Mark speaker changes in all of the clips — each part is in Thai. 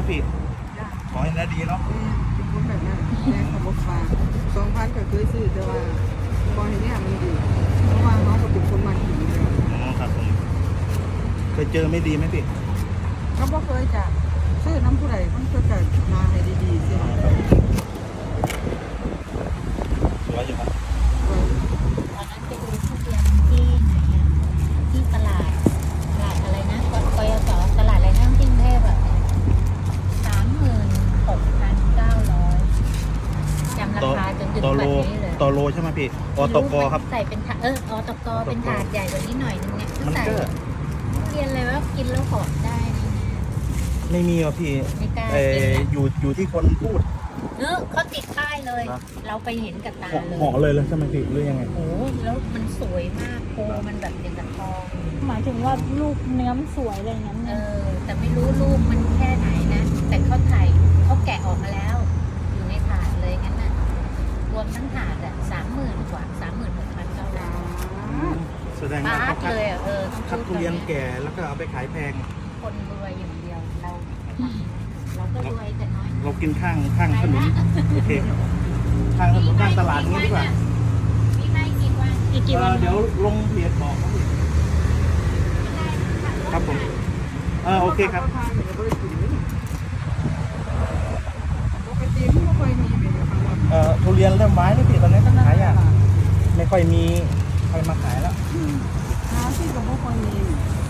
Speaker 1: พี่ขอให้ได้ดีเนาะ
Speaker 2: เป็นคนแบบนั้นแรงขับรถฟ้า2,000ก็เคยซื้อแต่ว่าพอเห็นเนี่ยมันดีเพราะว่าน้องก็เป็นคนมาขี่เลย
Speaker 1: อ๋อครับผมเคยเจอไม่ดีไหมพี่
Speaker 2: ก็บ่เคยจะซื้อน้ำผู้ใดมันก็จะมาให้ดีๆใช่ไหม
Speaker 1: สวยอยู่ครับ
Speaker 3: ตอนนั้นไปดูทุเรียนที่ไหนอะที่ตลาดอะไรนะกยศตลาดอะไรนะที่กรุงเทพอะ36,900จำราคาจนถึงปัจจุบันนี้เลย
Speaker 1: ต่อโลใช่ไหมพี่อตกครับ
Speaker 3: ใส่เป็นถาดอตกเป็นถาดใหญ่กว่านี้หน่อยนึงเนี่ย
Speaker 1: มันก็
Speaker 3: ทุเรียนอะไรว่ากินแล้วหอมได้นะ
Speaker 1: ไม่มีอ่ะพี่อยู่ที่คนพูด
Speaker 3: เขาติดป้ายเลยเราไปเห็นกับตาเลย
Speaker 1: ห่อเลยแล้วใช่ไหมพี่หรือยังไง
Speaker 3: โอ้แล้วมันสวยมากโพมันแบบอย่างกับทอง
Speaker 4: หมายถึงว่าลูกเนื้อมันสวยอะไรอย่างนั้น
Speaker 3: แต่ไม่รู้ลูกมันแค่ไหนนะแต่เขาแกะออกมาแล้วอยู่ในถาดเลยงั้นน่ะรวมทั้งถาดอ่ะ30,000 กว่า 36,900
Speaker 1: แสดงว่าคัดทุเรียนแก่แล้วก็เอาไปขายแพง
Speaker 3: คนรวยอย่างเดียวเราก็รวยแต่น้อย
Speaker 1: เรากินข้างถนนโอเคข้างถนนข้างตลาดนี้ดีกว่า
Speaker 3: พี่ให้กี่วัน
Speaker 1: เดี๋ยวลงเพจบอกครับผมโอเคครับทุเรียนเริ่มไม้แล้วพี่ตอนนี้ขายอ่ะไม่ค่อยมีใครมาขายแล้ว
Speaker 2: ที่กับพวกคนนี้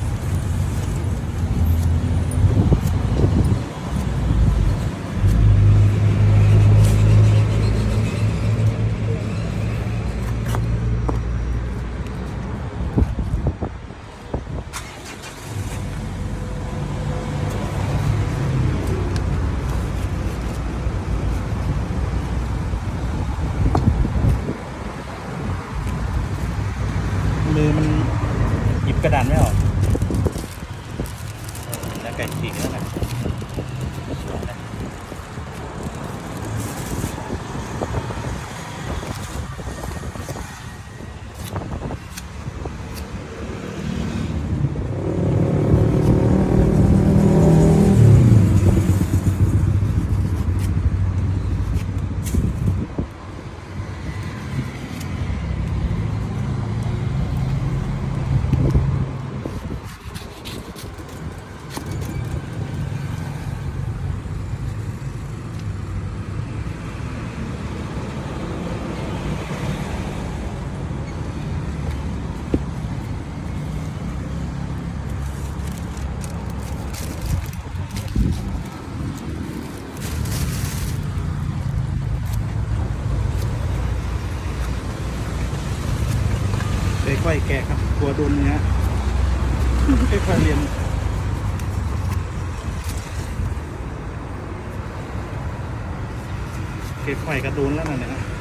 Speaker 1: มือมันหยิบกระดานไม่ออกแล้วไก่ฉีกแล้วนะค่อยๆแกะครับตัวดุนเนี้ยค่อยๆเรียนค่อยๆกระดุนแล้วนั่นแหละ